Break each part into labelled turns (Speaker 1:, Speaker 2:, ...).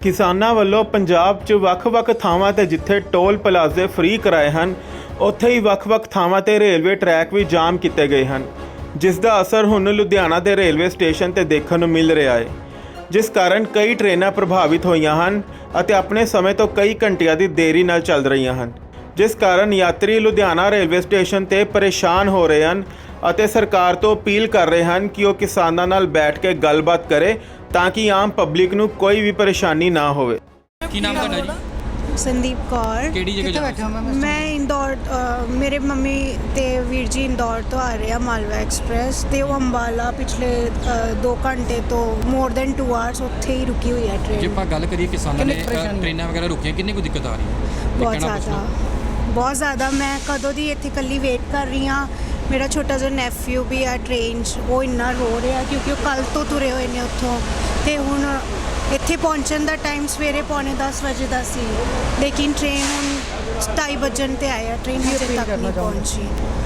Speaker 1: ਕਿਸਾਨਾਂ ਵੱਲੋਂ ਪੰਜਾਬ 'ਚ ਵੱਖ-ਵੱਖ ਥਾਵਾਂ ਤੇ ਜਿੱਥੇ ਟੋਲ ਪਲਾਜ਼ੇ ਫ੍ਰੀ ਕਰਾਏ ਹਨ, ਉੱਥੇ ਹੀ ਵੱਖ-ਵੱਖ ਥਾਵਾਂ ਤੇ ਰੇਲਵੇ ਟਰੈਕ ਵੀ ਜਾਮ ਕੀਤੇ ਗਏ ਹਨ, ਜਿਸ ਦਾ ਅਸਰ ਹੁਣ ਲੁਧਿਆਣਾ ਦੇ ਰੇਲਵੇ ਸਟੇਸ਼ਨ ਤੇ ਦੇਖਣ ਨੂੰ ਮਿਲ ਰਿਹਾ ਹੈ, ਜਿਸ ਕਾਰਨ ਕਈ ਟ੍ਰੇਨਾਂ ਪ੍ਰਭਾਵਿਤ ਹੋਈਆਂ ਹਨ ਅਤੇ ਆਪਣੇ ਸਮੇਂ ਤੋਂ ਕਈ ਘੰਟਿਆਂ ਦੀ ਦੇਰੀ ਨਾਲ ਚੱਲ ਰਹੀਆਂ ਹਨ, ਜਿਸ ਕਾਰਨ ਯਾਤਰੀ ਲੁਧਿਆਣਾ ਰੇਲਵੇ ਸਟੇਸ਼ਨ ਤੇ ਪਰੇਸ਼ਾਨ ਹੋ ਰਹੇ ਹਨ ਅਤੇ ਸਰਕਾਰ ਤੋਂ ਅਪੀਲ ਕਰ ਰਹੇ ਹਨ ਕਿ ਉਹ ਕਿਸਾਨਾਂ ਨਾਲ ਬੈਠ ਕੇ ਗੱਲਬਾਤ ਕਰੇ ਤਾਂ ਕਿ ਆਮ ਪਬਲਿਕ ਨੂੰ ਕੋਈ ਵੀ ਪਰੇਸ਼ਾਨੀ ਨਾ ਹੋਵੇ।
Speaker 2: ਕੀ ਨਾਮ ਤੁਹਾਡਾ ਜੀ?
Speaker 3: ਸੰਦੀਪ ਕੌਰ।
Speaker 2: ਕਿਹੜੀ ਜਗ੍ਹਾ ਜਾ
Speaker 3: ਮੈਂ ਇੰਦੌਰ, ਮੇਰੇ ਮੰਮੀ ਤੇ ਵੀਰ ਜੀ ਇੰਦੌਰ ਤੋਂ ਆ ਰਹੇ ਆ ਮਾਲਵਾ ਐਕਸਪ੍ਰੈਸ ਤੇ ਉਹ ਅੰਬਾਲਾ ਪਿਛਲੇ 2 ਘੰਟੇ ਤੋਂ ਮੋਰ ਦੈਨ 2 ਆਵਰਸ ਉੱਥੇ ਹੀ ਰੁਕੀ ਹੋਈ ਹੈ
Speaker 2: ਜੇ
Speaker 3: ਟ੍ਰੇਨ।
Speaker 2: ਆਪਾਂ ਗੱਲ ਕਰੀਏ ਕਿਸਾਨਾਂ ਨੇ ਟ੍ਰੇਨਾਂ ਵਗੈਰਾ ਰੁਕੀਆਂ, ਕਿੰਨੀ ਕੁ ਦਿੱਕਤ ਆ ਰਹੀ ਹੈ?
Speaker 3: ਬਹੁਤ ਜ਼ਿਆਦਾ। ਮੈਂ ਕਦੋਂ ਦੀ ਇੱਥੇ ਇਕੱਲੀ ਵੇਟ ਕਰ ਰਹੀ ਹਾਂ। ਮੇਰਾ ਛੋਟਾ ਜਿਹਾ ਨੈਫਿਊ ਵੀ ਆ ਟ੍ਰੇਨ 'ਚ, ਉਹ ਇੰਨਾ ਰੋ ਰਿਹਾ ਕਿਉਂਕਿ ਉਹ ਕੱਲ੍ਹ ਤੋਂ ਤੁਰੇ ਹੋਏ ਨੇ ਉੱਥੋਂ, ਅਤੇ ਹੁਣ ਇੱਥੇ ਪਹੁੰਚਣ ਦਾ ਟਾਈਮ ਸਵੇਰੇ 9:45 ਵਜੇ ਦਾ ਸੀ, ਲੇਕਿਨ ਟ੍ਰੇਨ ਹੁਣ 2:30 ਵਜਣ 'ਤੇ ਆਇਆ, ਟ੍ਰੇਨ ਹਜੇ ਤੱਕ ਨਹੀਂ ਪਹੁੰਚੀ।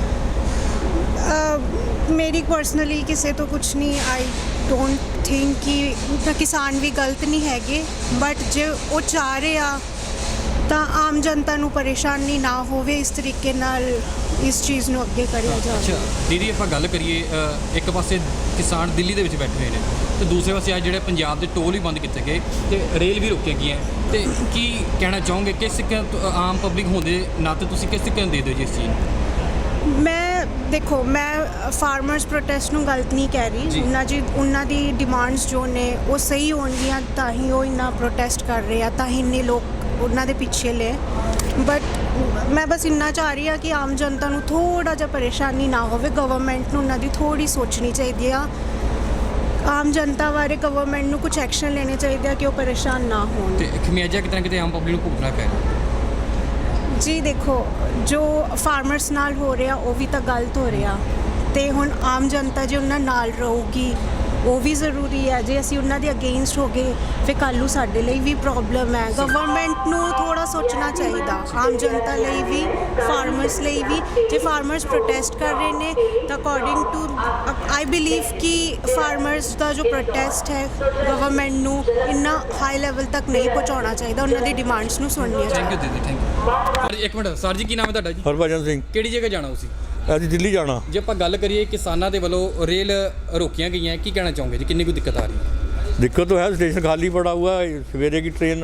Speaker 3: ਮੇਰੀ ਪਰਸਨਲੀ ਕਿਸੇ ਤੋਂ ਕੁਛ ਨਹੀਂ, ਆਈ ਡੋਂਟ ਥਿੰਕ ਕਿ ਕਿਸਾਨ ਵੀ ਗਲਤ ਨਹੀਂ ਹੈਗੇ, ਬਟ ਜੇ ਉਹ ਚਾਹ ਰਹੇ ਆ ਤਾਂ ਆਮ ਜਨਤਾ ਨੂੰ ਪਰੇਸ਼ਾਨੀ ਨਾ ਹੋਵੇ, ਇਸ ਤਰੀਕੇ ਨਾਲ ਇਸ ਚੀਜ਼ ਨੂੰ ਅੱਗੇ ਕਰਿਆ ਜਾਵੇ।
Speaker 2: ਅੱਛਾ ਦੀਦੀ, ਆਪਾਂ ਗੱਲ ਕਰੀਏ ਇੱਕ ਪਾਸੇ ਕਿਸਾਨ ਦਿੱਲੀ ਦੇ ਵਿੱਚ ਬੈਠੇ ਹੋਏ ਨੇ ਤੇ ਦੂਸਰੇ ਪਾਸੇ ਆ ਜਿਹੜੇ ਪੰਜਾਬ ਦੇ ਟੋਲ ਵੀ ਬੰਦ ਕੀਤੇ ਗਏ ਤੇ ਰੇਲ ਵੀ ਰੁਕੀਆਂ ਗਈਆਂ, ਤੇ ਕੀ ਕਹਿਣਾ ਚਾਹੋਗੇ ਕਿਸ ਆਮ ਪਬਲਿਕ ਹੋਣ ਦੇ ਨਾਤੇ ਤੁਸੀਂ ਕਿਸ ਤਰੀਕੇ ਨਾਲ ਦੇ ਦਿਓ ਜੀ ਇਸ ਚੀਜ਼ ਨੂੰ?
Speaker 3: ਦੇਖੋ, ਮੈਂ ਫਾਰਮਰਸ ਪ੍ਰੋਟੈਸਟ ਨੂੰ ਗਲਤ ਨਹੀਂ ਕਹਿ ਰਹੀ। ਉਹਨਾਂ ਦੀ ਡਿਮਾਂਡਸ ਜੋ ਨੇ ਉਹ ਸਹੀ ਹੋਣਗੀਆਂ ਤਾਂ ਹੀ ਉਹ ਇੰਨਾ ਪ੍ਰੋਟੈਸਟ ਕਰ ਰਹੇ ਆ, ਤਾਂ ਹੀ ਇੰਨੇ ਲੋਕ ਉਹਨਾਂ ਦੇ ਪਿੱਛੇ ਲੈ। ਬਟ ਮੈਂ ਬਸ ਇੰਨਾ ਚਾਹ ਰਹੀ ਹਾਂ ਕਿ ਆਮ ਜਨਤਾ ਨੂੰ ਥੋੜ੍ਹਾ ਜਿਹਾ ਪਰੇਸ਼ਾਨੀ ਨਾ ਹੋਵੇ। ਗਵਰਨਮੈਂਟ ਨੂੰ ਉਹਨਾਂ ਦੀ ਥੋੜ੍ਹੀ ਸੋਚਣੀ ਚਾਹੀਦੀ ਆ, ਆਮ ਜਨਤਾ ਬਾਰੇ ਗਵਰਨਮੈਂਟ ਨੂੰ ਕੁਝ ਐਕਸ਼ਨ ਲੈਣੇ ਚਾਹੀਦੇ ਆ ਕਿ ਉਹ ਪਰੇਸ਼ਾਨ ਨਾ ਹੋਣ।
Speaker 2: ਤੇ ਖਮਿਆਜਾ ਕਿਤੇ ਨਾ ਕਿਤੇ ਆਮ ਪਬਲਿਕ ਨੂੰ ਭੁਗਤਣਾ ਪੈ ਰਿਹਾ
Speaker 3: ਜੀ। ਦੇਖੋ, ਜੋ ਫਾਰਮਰਸ ਨਾਲ ਹੋ ਰਿਹਾ ਉਹ ਵੀ ਤਾਂ ਗਲਤ ਹੋ ਰਿਹਾ, ਅਤੇ ਹੁਣ ਆਮ ਜਨਤਾ ਜੇ ਉਹਨਾਂ ਨਾਲ ਰਹੂਗੀ ਉਹ ਵੀ ਜ਼ਰੂਰੀ ਹੈ। ਜੇ ਅਸੀਂ ਉਹਨਾਂ ਦੇ ਅਗੇਂਸਟ ਹੋ ਗਏ ਫਿਰ ਕੱਲ੍ਹ ਨੂੰ ਸਾਡੇ ਲਈ ਵੀ ਪ੍ਰੋਬਲਮ ਹੈ। ਗਵਰਨਮੈਂਟ ਨੂੰ ਥੋੜ੍ਹਾ ਸੋਚਣਾ ਚਾਹੀਦਾ, ਆਮ ਜਨਤਾ ਲਈ ਵੀ, ਫਾਰਮਰਸ ਲਈ ਵੀ। ਜੇ ਫਾਰਮਰਸ ਪ੍ਰੋਟੈਸਟ ਕਰ ਰਹੇ ਨੇ ਤਾਂ ਅਕੋਰਡਿੰਗ ਟੂ ਆਈ ਬਿਲੀਵ ਕਿ ਫਾਰਮਰਸ ਦਾ ਜੋ ਪ੍ਰੋਟੈਸਟ ਹੈ ਗਵਰਨਮੈਂਟ ਨੂੰ ਇੰਨਾ ਹਾਈ ਲੈਵਲ ਤੱਕ ਨਹੀਂ ਪਹੁੰਚਾਉਣਾ ਚਾਹੀਦਾ, ਉਹਨਾਂ ਦੀ ਡਿਮਾਂਡਸ ਨੂੰ ਸੁਣਨੀਆਂ ਚਾਹੀਦੀਆਂ।
Speaker 2: ਥੈਂਕ ਯੂ ਦੀਦੀ, ਥੈਂਕ ਯੂ। ਇੱਕ ਮਿੰਟ ਸਰ ਜੀ, ਕੀ ਨਾਮ ਹੈ ਤੁਹਾਡਾ ਜੀ?
Speaker 4: ਹਰਭਜਨ ਸਿੰਘ।
Speaker 2: ਕਿਹੜੀ ਜਗ੍ਹਾ ਜਾਣਾ ਤੁਸੀਂ?
Speaker 4: ਅਸੀਂ ਦਿੱਲੀ ਜਾਣਾ।
Speaker 2: ਜੇ ਆਪਾਂ ਗੱਲ ਕਰੀਏ ਕਿਸਾਨਾਂ ਦੇ ਵੱਲੋਂ ਰੇਲ ਰੋਕੀਆਂ ਗਈਆਂ, ਕੀ ਕਹਿਣਾ ਚਾਹੋਗੇ ਜੀ? ਕਿੰਨੀ ਕੁ ਦਿੱਕਤ ਆ ਰਹੀ ਹੈ?
Speaker 4: दिक्कत तो है, स्टेशन खाली पड़ा हुआ है। सवेरे की ट्रेन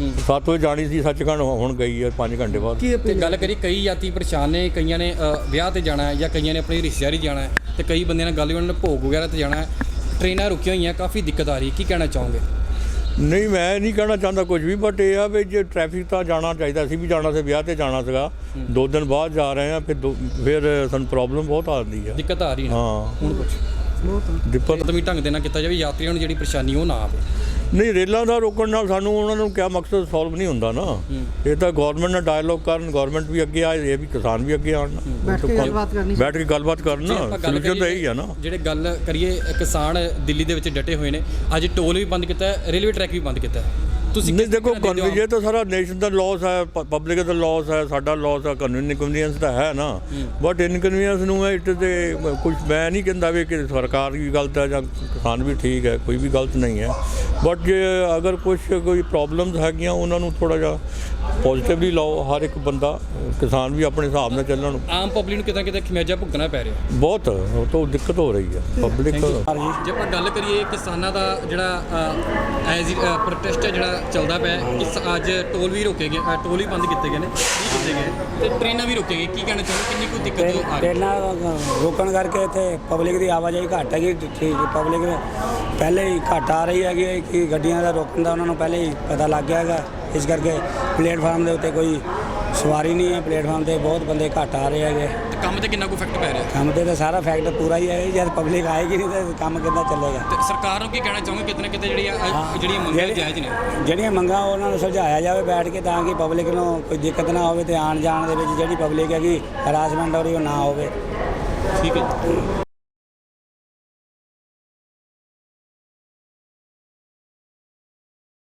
Speaker 4: 7 बजे जानी थी, सचखंड हुण गई है 5 घंटे बाद।
Speaker 2: ਤੇ ਗੱਲ ਕਰੀ, ਕਈ ਯਾਤਰੀ ਪਰੇਸ਼ਾਨ ਨੇ, ਕਈਆਂ ਨੇ ਵਿਆਹ ਤੇ ਜਾਣਾ ਹੈ ਜਾਂ ਕਈਆਂ ਨੇ ਆਪਣੀ ਰਿਸ਼ਤੇਦਾਰੀ ਜਾਣਾ ਹੈ, ਤੇ ਕਈ ਬੰਦਿਆਂ ਨਾਲ ਗੱਲ ਵੀ, ਉਹਨਾਂ ਨੇ ਭੋਗ ਵਗੈਰਾ ਤੇ ਜਾਣਾ ਹੈ, ਟ੍ਰੇਨਾਂ ਰੁਕੀਆਂ ਹੋਈਆਂ, ਕਾਫੀ ਦਿੱਕਤ ਆ ਰਹੀ ਹੈ, ਕੀ ਕਹਿਣਾ ਚਾਹੋਗੇ?
Speaker 4: नहीं, मैं नहीं कहना चाहता कुछ भी, बट ये है भी जो ट्रैफिक तो जाना चाहिए। असी भी जाना से ब्याह ते जाना सीगा, 2 दिन बाद जा रहे हैं, फिर सानू प्रॉब्लम बहुत आती है,
Speaker 2: ਦਿੱਕਤ ਆ ਰਹੀ ਹੈ।
Speaker 4: हाँ
Speaker 2: ਹੁਣ ਕੁਛ
Speaker 4: दिक्कत
Speaker 2: ਤਮੀ ਢੰਗ ਦੇ ਨਾਲ ਕੀਤਾ ਜਾਵੇ, ਯਾਤਰੀਆਂ ਨੂੰ ਜਿਹੜੀ ਪਰੇਸ਼ਾਨੀ ਉਹ ਨਾ ਆਵੇ।
Speaker 4: नहीं, रेलों का रोकण नाल सानू उन्हां नूं क्या मकसद सॉल्व नहीं हुंदा ना। ये तो गौरमेंट नाल डायलॉग करन, गौरमेंट भी अगे आए, ये भी किसान भी अगे आन, बैठ के गलबात करनी, बैठ के गलबात करना। सॉल्यूशन तो यही है ना।
Speaker 2: ਜਿਹੜੇ ਗੱਲ ਕਰੀਏ ਕਿਸਾਨ ਦਿੱਲੀ ਦੇ ਵਿੱਚ ਡਟੇ ਹੋਏ ਨੇ, ਅੱਜ ਟੋਲ ਵੀ ਬੰਦ ਕੀਤਾ ਹੈ, ਰੇਲਵੇ ਟਰੈਕ ਵੀ ਬੰਦ ਕੀਤਾ ਹੈ, ਤੁਸੀਂ
Speaker 4: नहीं देखो, ये तो सारा नेशन का लॉस है, पब्लिक का लॉस है, साडा लॉस है, इनकन्वीनियंस तो है ना। बट इनकन्वीनियंस नूं इट ते कुछ मैं नहीं कहता भी कि सरकार भी गलत है या किसान भी ठीक है, कोई भी गलत नहीं है। बट जे अगर कुछ कोई प्रॉब्लम्स हैगियां उन्होंने थोड़ा जिहा पॉजिटिवली लाओ, हर एक बंदा, किसान भी अपने हिसाब नाल ਚੱਲਣ।
Speaker 2: ਆਮ ਪਬਲਿਕ ਨੂੰ ਕਿਤੇ ਨਾ ਕਿਤੇ ਖਮਿਆਜਾ ਭੁਗਤਣਾ ਪੈ ਰਿਹਾ
Speaker 4: बहुत तो दिक्कत हो रही है पब्लिक।
Speaker 2: ਜੇ ਆਪਾਂ ਗੱਲ ਕਰੀਏ ਕਿਸਾਨਾਂ ਦਾ ਜਿਹੜਾ ਐਜ਼ ਪ੍ਰੋਟੈਸਟ ਹੈ ਜਿਹੜਾ ਚੱਲਦਾ ਪਿਆ, ਅੱਜ ਟੋਲ ਵੀ ਰੋਕੇ ਗਏ, ਟੋਲ ਵੀ ਬੰਦ ਕੀਤੇ ਗਏ ਨੇ, ਕੀਤੇ ਗਏ, ਤੇ ਟ੍ਰੇਨਾਂ ਵੀ ਰੋਕੇ ਗਏ, ਕੀ ਕਹਿਣਾ ਚਾਹੁੰਦੇ? ਕਿੰਨੀ ਕੋਈ ਦਿੱਕਤ ਆ ਰਹੀ ਹੈ?
Speaker 5: ਟ੍ਰੇਨਾਂ ਰੋਕਣ ਕਰਕੇ ਇੱਥੇ ਪਬਲਿਕ ਦੀ ਆਵਾਜਾਈ ਘੱਟ ਹੈਗੀ। ਠੀਕ, ਪਬਲਿਕ ਪਹਿਲੇ ਹੀ ਘੱਟ ਆ ਰਹੀ ਹੈਗੀ ਕਿ ਗੱਡੀਆਂ ਦਾ ਰੋਕਣ ਦਾ ਉਹਨਾਂ ਨੂੰ ਪਹਿਲੇ ਹੀ ਪਤਾ ਲੱਗ ਗਿਆ ਹੈਗਾ, ਇਸ ਕਰਕੇ ਪਲੇਟਫਾਰਮ ਦੇ ਉੱਤੇ ਕੋਈ ਸਵਾਰੀ ਨਹੀਂ ਹੈ, ਪਲੇਟਫਾਰਮ 'ਤੇ ਬਹੁਤ ਬੰਦੇ ਘੱਟ ਆ ਰਹੇ ਹੈਗੇ।
Speaker 2: ਤੇ ਕੰਮ ਤੇ ਕਿੰਨਾ ਕੁ ਇਫੈਕਟ ਪੈ ਰਿਹਾ?
Speaker 5: ਕੰਮ 'ਤੇ ਤਾਂ ਸਾਰਾ ਫੈਕਟ ਪੂਰਾ ਹੀ ਹੈ, ਜਦ ਪਬਲਿਕ ਆਏਗੀ ਨਹੀਂ ਤਾਂ ਕੰਮ ਕਿੱਦਾਂ ਚੱਲੇਗਾ?
Speaker 2: ਤੇ ਸਰਕਾਰ ਨੂੰ ਕੀ ਕਹਿਣਾ ਚਾਹੋਗੇ? ਕਿਤੇ ਨਾ ਕਿਤੇ ਜਿਹੜੀਆਂ ਮੰਗਾਂ ਜਾਇਜ਼ ਨੇ,
Speaker 5: ਜਿਹੜੀਆਂ ਮੰਗਾਂ ਉਹਨਾਂ ਨੂੰ ਸੁਲਝਾਇਆ ਜਾਵੇ ਬੈਠ ਕੇ, ਤਾਂ ਕਿ ਪਬਲਿਕ ਨੂੰ ਕੋਈ ਦਿੱਕਤ ਨਾ ਹੋਵੇ, ਤੇ ਆਉਣ ਜਾਣ ਦੇ ਵਿੱਚ ਜਿਹੜੀ ਪਬਲਿਕ ਹੈਗੀ ਹਰਾਸਮੈਂਟ ਹੋ ਰਹੀ ਉਹ ਨਾ ਹੋਵੇ।
Speaker 2: ਠੀਕ ਹੈ।